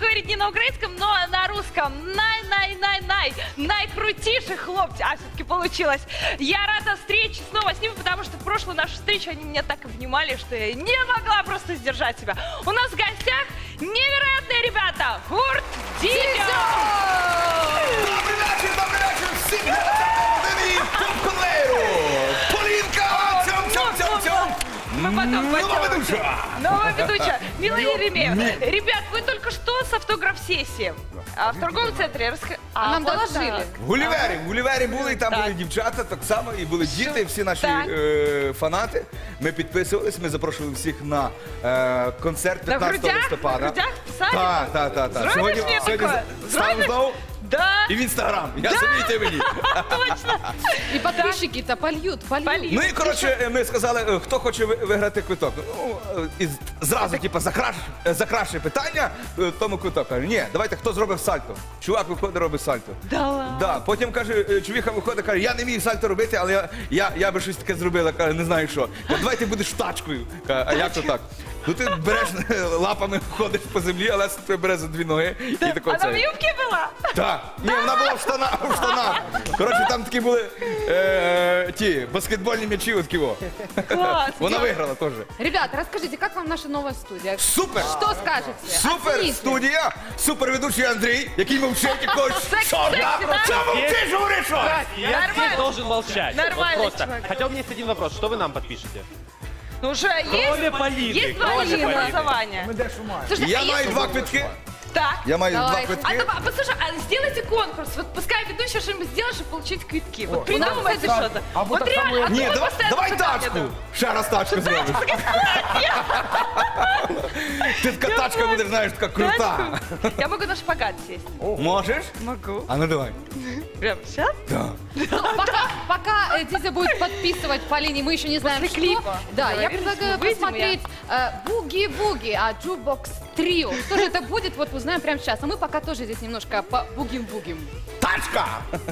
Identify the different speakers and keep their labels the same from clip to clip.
Speaker 1: говорить не на украинском, но на русском. Найкрутейших хлопцы. А все-таки получилось. Я рада встрече снова с ними, потому что в прошлую нашу встречу они меня так обнимали, что я не могла просто сдержать себя. У нас в гостях невероятные ребята. Гурт Дідьо!
Speaker 2: Добрий вечір всім глядачам Володимирі Кункунлейру! Полінка! Цьом-цьом-цьом-цьом!
Speaker 1: Новая ведущая. Мила Еремеева. Ребят, вы только что с автограф-сессии. А в торговом центре
Speaker 3: нам доложили.
Speaker 2: В Гулівері були, і там були дівчата так само, і були діти, всі наші фанати. Ми підписувались, ми запрошували всіх на концерт 15 листопада.
Speaker 1: На грудях писали?
Speaker 2: Так. Сьогодні ставимо знову.
Speaker 1: Да.
Speaker 2: І в Інстаграм. Я собі і ти мені.
Speaker 1: Точно.
Speaker 3: І підписчики-то польють.
Speaker 2: Ну і, коротше, ми сказали, хто хоче виграти квиток. Ну, і зразу, типу, за краще питання, тому квиток. Каже, ні, давайте, хто зробив сальто. Чувак виходить, робить сальто.
Speaker 1: Да ладно.
Speaker 2: Да. Потім, каже, чувіха виходить, каже, я не вмію сальто робити, але я би щось таке зробила, каже, не знаю що. Каже, давай ти будеш тачкою. Каже, а як то так? Ну ти береш лапами, ходиш по землі, але тебе бере за дві ноги.
Speaker 1: Вона в юбці була?
Speaker 2: Так. Ні, вона була в штанах. Коротше, там такі були ті баскетбольні м'ячі, от ківо.
Speaker 1: Клас.
Speaker 2: Вона виграла теж.
Speaker 3: Ребят, расскажите, как вам наша новая студия?
Speaker 2: Супер!
Speaker 3: Что скажете?
Speaker 2: Супер
Speaker 3: Оцените.
Speaker 2: студія, супер ведучий Андрій, який мовчить і каже, що мовчиш, говориш, що?
Speaker 4: Я здесь должен молчать.
Speaker 1: Нормально,
Speaker 4: Вот просто.
Speaker 1: чувак.
Speaker 4: Хотя у меня есть один вопрос. Что вы нам подпишете?
Speaker 1: Ну уже
Speaker 4: Кроме Полины.
Speaker 1: есть два
Speaker 4: Кроме Полины.
Speaker 1: голосования.
Speaker 3: Слушайте,
Speaker 2: Я
Speaker 3: а
Speaker 2: маю
Speaker 3: если-
Speaker 2: два квитки.
Speaker 1: Так.
Speaker 2: Я маю два
Speaker 3: Давайте.
Speaker 2: квитки.
Speaker 1: Послушай, сделайте конкурс. Вот пускай ведущая что-нибудь сделает, чтобы получить квитки. Вот придумайте что-то. Вот реально.
Speaker 2: Ні,
Speaker 1: одно
Speaker 2: давай
Speaker 1: постоянно
Speaker 2: тачку.
Speaker 1: задание.
Speaker 2: Ще раз тачку зробиш. Ти така тачка буде, знаєш, така крута.
Speaker 1: Тачку. Я могу на шпагат сесть.
Speaker 2: Можеш?
Speaker 1: Могу.
Speaker 2: А ну давай.
Speaker 1: Прямо сейчас?
Speaker 2: Так.
Speaker 3: Пока Дидя будет подписывать Полине, мы еще не знаем,
Speaker 1: После
Speaker 3: что.
Speaker 1: клипа.
Speaker 3: Да, я
Speaker 1: Договорились,
Speaker 3: предлагаю
Speaker 1: мы выйдем,
Speaker 3: посмотреть Буги-Буги, Jukebox Trio. Что же это будет, вот узнаем прямо сейчас. А мы пока тоже здесь немножко бугим-бугим.
Speaker 2: Тачка!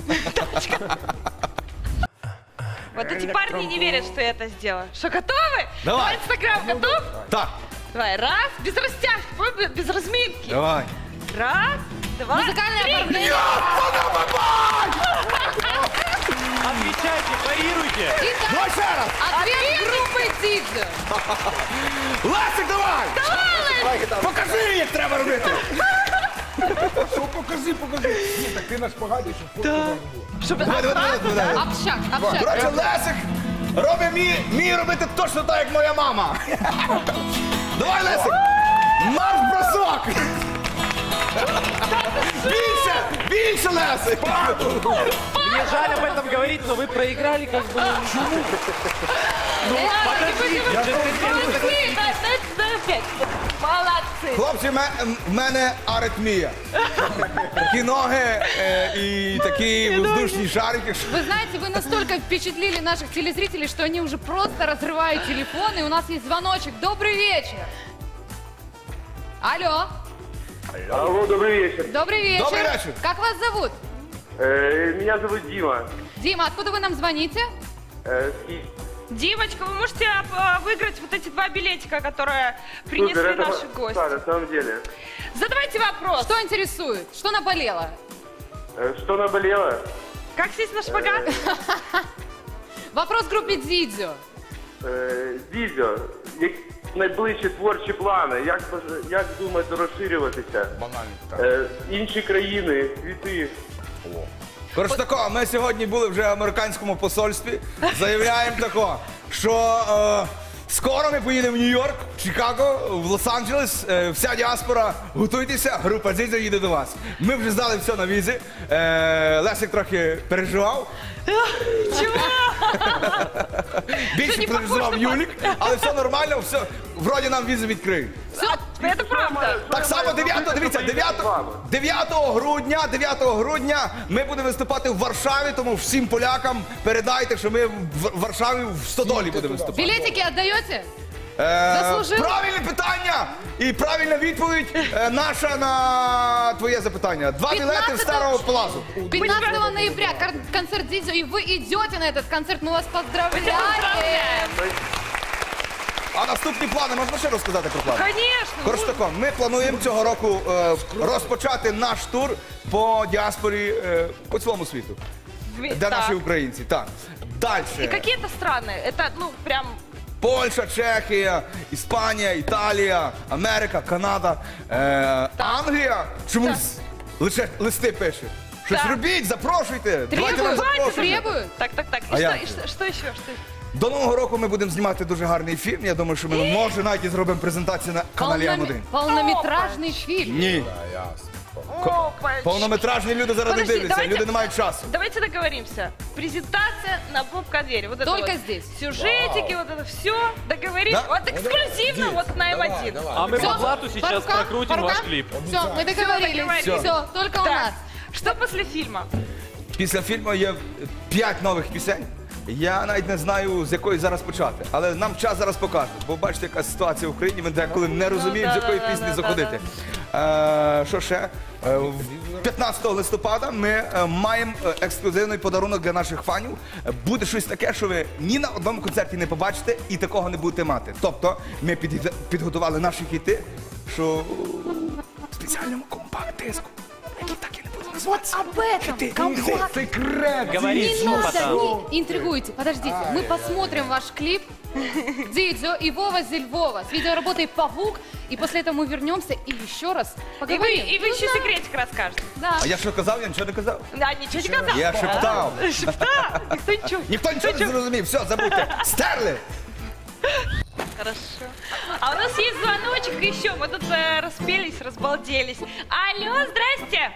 Speaker 1: Вот эти парни не верят, что я это сделаю. Что, готовы?
Speaker 2: Давай.
Speaker 1: Инстаграм готов?
Speaker 2: Так,
Speaker 1: Давай, раз, без растяжки, без разминки.
Speaker 2: давай.
Speaker 1: Раз, два,
Speaker 3: Музыкальное
Speaker 1: три.
Speaker 3: оформление.
Speaker 4: Отвечайте, парируйте.
Speaker 3: Итак,
Speaker 2: Давай ще раз.
Speaker 3: ответ группы Дидзо.
Speaker 2: Лесик, давай! Покажи, як треба робити.
Speaker 5: Що покажи. Ні, так ти на шпагаті, щоб фото
Speaker 2: Давай.
Speaker 3: Общак, общак.
Speaker 2: Коротше, Лесик робить мій робити точно так, як моя мама. Давай, Лесик! Марш-бросок! Більше, Лесик!
Speaker 4: Мне жаль об этом говорить, но вы проиграли как бы.
Speaker 1: Молодцы, опять. Молодцы.
Speaker 2: Хлопці, в мене аритмія. Такі ноги і такі воздушні шарики.
Speaker 3: Вы знаете, вы настолько впечатлили наших телезрителей, что они уже просто разрывают телефоны. И у нас есть звоночек. Добрый вечер. Алло.
Speaker 6: Алло, добрый вечер.
Speaker 3: Добрый вечер.
Speaker 2: Добрый вечер.
Speaker 3: Как вас зовут?
Speaker 6: Меня зовут Дима.
Speaker 3: Дима, откуда вы нам звоните?
Speaker 1: Димочка, вы можете выиграть вот эти два билетика, которые принесли наши гости.
Speaker 6: Да, на самом деле.
Speaker 1: Задавайте вопрос.
Speaker 3: Что интересует? Что наболело?
Speaker 6: Что наболело?
Speaker 1: Как сесть на шпагат?
Speaker 3: Вопрос группе Дидзо.
Speaker 6: Дідьо, які найближчі творчі плани? Як думаєте розширюватися? Інші країни, світи?
Speaker 2: Коротше тако, ми сьогодні були вже в американському посольстві. Заявляємо тако, що скоро ми поїдемо в Нью-Йорк, в Чикаго, в Лос-Анджелес. Вся діаспора, готуйтеся, група Дідзо їде до вас. Ми вже здали все на візи. Лесик трохи переживав.
Speaker 1: Чего?
Speaker 2: Більше переживав Юлік, але все нормально, все, вроді нам візи відкриють.
Speaker 1: Это правда.
Speaker 2: Так само 9 грудня ми будемо виступати в Варшаві, тому всім полякам передайте, що ми в Варшаві в Стодолі будемо виступати.
Speaker 3: Билетики отдаете? Заслужив?
Speaker 2: Правильне питання і правильна відповідь наша на твоє запитання. 2 білети в Старого Плазу.
Speaker 3: 15 ноября концерт Дидзо, и вы идете на этот концерт. Мы вас поздравляем.
Speaker 2: А наступні плани, можна ще розказати про плани?
Speaker 1: Конечно.
Speaker 2: Коротше тако, ми плануємо цього року розпочати наш тур по діаспорі по цілому світу. Де
Speaker 1: Так.
Speaker 2: наші українці, так.
Speaker 1: И
Speaker 2: Далі.
Speaker 1: какие-то страны, это, ну, прям...
Speaker 2: Польща, Чехія, Іспанія, Італія, Америка, Канада, Англія. Чомусь лише листи пише. Щось
Speaker 1: Так.
Speaker 2: робіть, запрошуйте. Давайте нам
Speaker 3: Требуют,
Speaker 2: запрошуйте.
Speaker 3: требуют.
Speaker 1: Так.
Speaker 2: А
Speaker 1: И
Speaker 2: я?
Speaker 1: что еще? Что?
Speaker 2: До Нового року ми будемо знімати дуже гарний фільм. Я думаю, що ми може навіть і зробимо презентацію на каналі М1.
Speaker 3: Полнометражный фильм.
Speaker 2: Ні.
Speaker 1: Опачки.
Speaker 2: Повнометражні люди зараз не
Speaker 1: Подожди,
Speaker 2: дивляться,
Speaker 1: давайте-
Speaker 2: люди не мають часу.
Speaker 1: Давайте договоримся. Презентация на поп-конвейере. Вот это
Speaker 3: Только
Speaker 1: вот.
Speaker 3: здесь.
Speaker 1: Сюжетики, вот это все. Договорились.
Speaker 2: Да?
Speaker 1: Вот эксклюзивно вот на М1.
Speaker 4: А мы по блату сейчас прокрутим ваш клип.
Speaker 3: Все, мы договорились.
Speaker 1: договорились.
Speaker 3: Все, только у
Speaker 1: Так,
Speaker 3: нас.
Speaker 1: что после фильма?
Speaker 2: Після фільму є 5 нових пісень. Я навіть не знаю, з якої зараз почати. Але нам час зараз покаже. Бо бачите, яка ситуація в Україні, ми деколи не розуміємо, з якої пісні заходити. Що ще? 15 листопада ми маємо ексклюзивний подарунок для наших фанів. Буде щось таке, що ви ні на одному концерті не побачите і такого не будете мати. Тобто ми підготували наші хіти, що в спеціальному компакт-диску, який так і не буде називатися.
Speaker 3: Об этом. Компакт.
Speaker 5: Секрет.
Speaker 4: Говори,
Speaker 3: Не
Speaker 4: что
Speaker 3: надо,
Speaker 4: потом.
Speaker 3: не интригуйте. Подождите, мы посмотрим ваш клип. Дидзо и Вова Зельвова с видеоработой «Павук». И после этого мы вернемся и еще раз поговорим.
Speaker 1: И вы еще секретик расскажете.
Speaker 3: Да.
Speaker 2: А я що казав? Я нічого не казав.
Speaker 1: Да, ничего не казал.
Speaker 2: Я шептав.
Speaker 1: Шептал? Никто ничего.
Speaker 2: Ніхто нічого не зрозумів. Все, забудьте. Стерли.
Speaker 1: Хорошо. А у нас есть звоночек еще. Мы тут распелись, разбалделись. Алло, здрасте.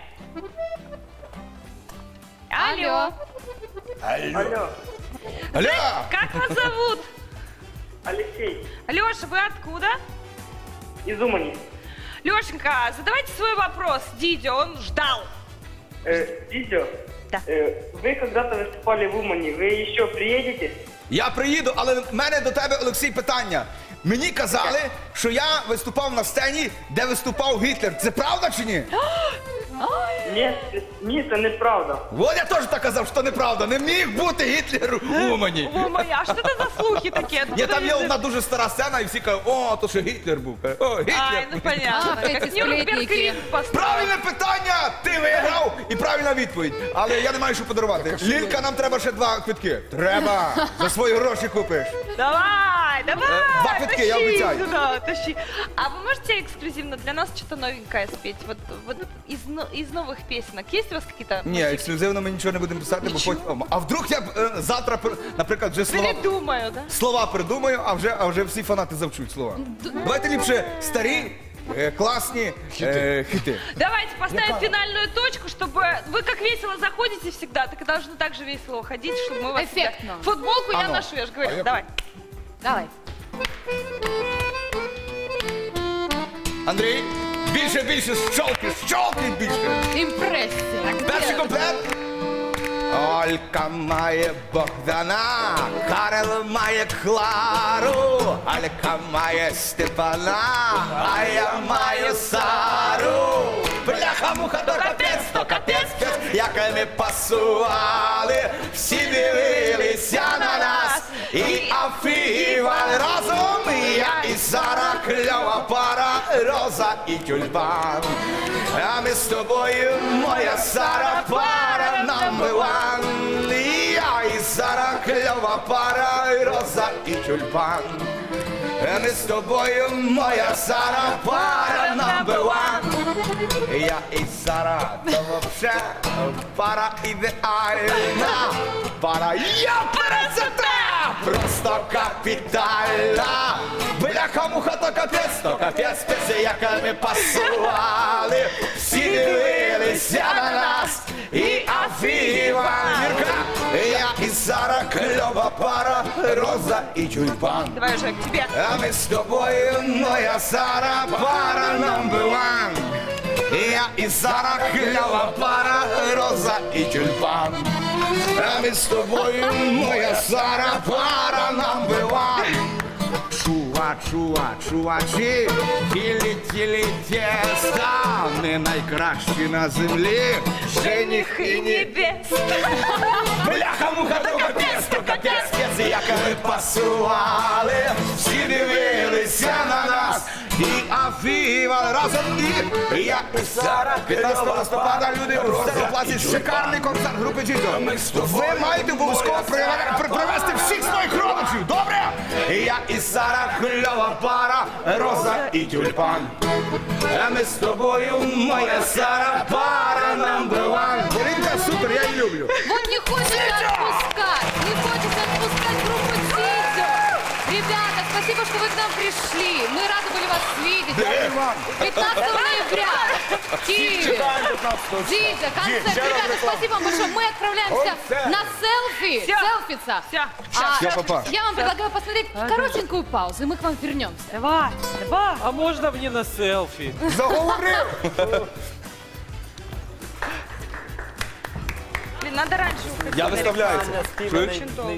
Speaker 1: Алло.
Speaker 6: Алло,
Speaker 2: Алло!
Speaker 1: Как вас зовут?
Speaker 6: Алексей,
Speaker 1: Леша, вы откуда?
Speaker 6: из Умани.
Speaker 1: Лешенька, задавайте свой вопрос. Дидя, он ждал.
Speaker 6: Дидё,
Speaker 1: Да.
Speaker 6: вы когда-то выступали в Умани, вы еще приедете?
Speaker 2: Я приїду, але в мене до тебе, Олексій, питання. Мені казали, що я виступав на сцені, де виступав Гітлер. Це правда чи ні?
Speaker 6: Ні, це неправда.
Speaker 2: От я теж так казав, що неправда. Не міг бути Гітлер у Умані.
Speaker 1: О, моя, а что это за слухи такие?
Speaker 2: Ні, там є одна дуже стара сцена, і всі кажуть, о, то що Гітлер був. О,
Speaker 1: Ай,
Speaker 2: Гітлер.
Speaker 1: ну понятно.
Speaker 3: Ах, эти
Speaker 1: Как Нюрнберг
Speaker 3: сплетники.
Speaker 1: Рим построил.
Speaker 2: Правильне питання! Ти виграв і правильна відповідь. Але я не маю що подарувати. Лілька, нам треба ще 2 квитки. Треба. За свої гроші купиш.
Speaker 1: Давай, давай,
Speaker 2: Два квитки, я
Speaker 1: тащи
Speaker 2: обещаю.
Speaker 1: сюда, тащи. А вы можете эксклюзивно для нас что-то новенькое спеть? Вот из новых песенок. Есть у вас какие-то?
Speaker 2: Ні, ексклюзивно ми нічого не будемо писати, бо потім... А вдруг я завтра, наприклад, вже
Speaker 1: Передумаю, да?
Speaker 2: слова придумаю, а вже всі фанати завчуть слова. Давайте ліпше старі, класні хіти.
Speaker 1: Давайте поставим финальную точку, чтобы вы как весело заходите всегда, так и должны так же весело уходить, чтобы мы вас всегда-
Speaker 3: Эффектно.
Speaker 1: Футболку я
Speaker 2: ну.
Speaker 1: ношу, я же говорю. Давай.
Speaker 3: Давай.
Speaker 2: Андрій, більше, щолки більше.
Speaker 3: Импрессия.
Speaker 2: Перший комплект. Олька має Богдана, Карел має Клару, Алька має Степана, а я маю Сару. Бляха-муха, то капець, як ми пасували, всі дивилися на нас і афігівали разом. Я і Сара, кльова пара, Роза і тюльпан. А ми з тобою, моя Сара, пара number one. Я і Сара, кльова пара, Роза і тюльпан. А ми з тобою, моя Сара, пара number one. Я і Сара, то вообще пара ідеальна. Пара я пересета, просто капітальна. Бляха-муха, то капець, як ми пасували. Всі дивилися на нас і афігівали. Я і Сара, кльова пара, Роза і тюльпан.
Speaker 1: Давай уже к тебе.
Speaker 2: А ми з тобою, моя Сара, пара number one. Я і Сара, кльова пара, Роза і тюльпан. А ми з тобою, моя Сара, пара number one. Чувачі, і десятиліття стане найкращі на землі.
Speaker 1: Женихи небес.
Speaker 2: Бляха-муха, то капець, як ми пасували, всі дивилися на нас і афівали разом і я і Сара. 15 листопада люди у Стероплаці шикарний концерт групи Джідо. Ви маєте обов'язково привезти всіх своїх родичів, добре? Я і Сара, кльова пара, Роза і Тюльпан. А ми з тобою, моя Сара, пара number one. Полінка супер, я її люблю.
Speaker 3: Вот не хочется отпускать, не хочется отпускать группу Дидзо. Ребята, спасибо, что вы к нам пришли. Мы рады были вас видеть. 15 ноября. Киеве. Дидзо, концерт. Ребята, спасибо вам большое. Мы отправляемся на селфи.
Speaker 1: Всё.
Speaker 3: Селфиться.
Speaker 1: Всё.
Speaker 2: Всё, папа.
Speaker 3: Я вам предлагаю посмотреть коротенькую паузу, и мы к вам вернемся.
Speaker 1: Давай, давай.
Speaker 4: А можно мне на селфи?
Speaker 2: Заговорив.
Speaker 1: Блин, надо раньше уходить.
Speaker 2: Я виставляю це. Чуєш?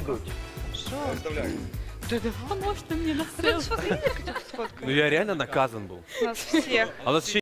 Speaker 1: Да давай, может, ты мне на селфи.
Speaker 4: Ну я реально наказан был.
Speaker 1: Нас всех.
Speaker 4: А у нас еще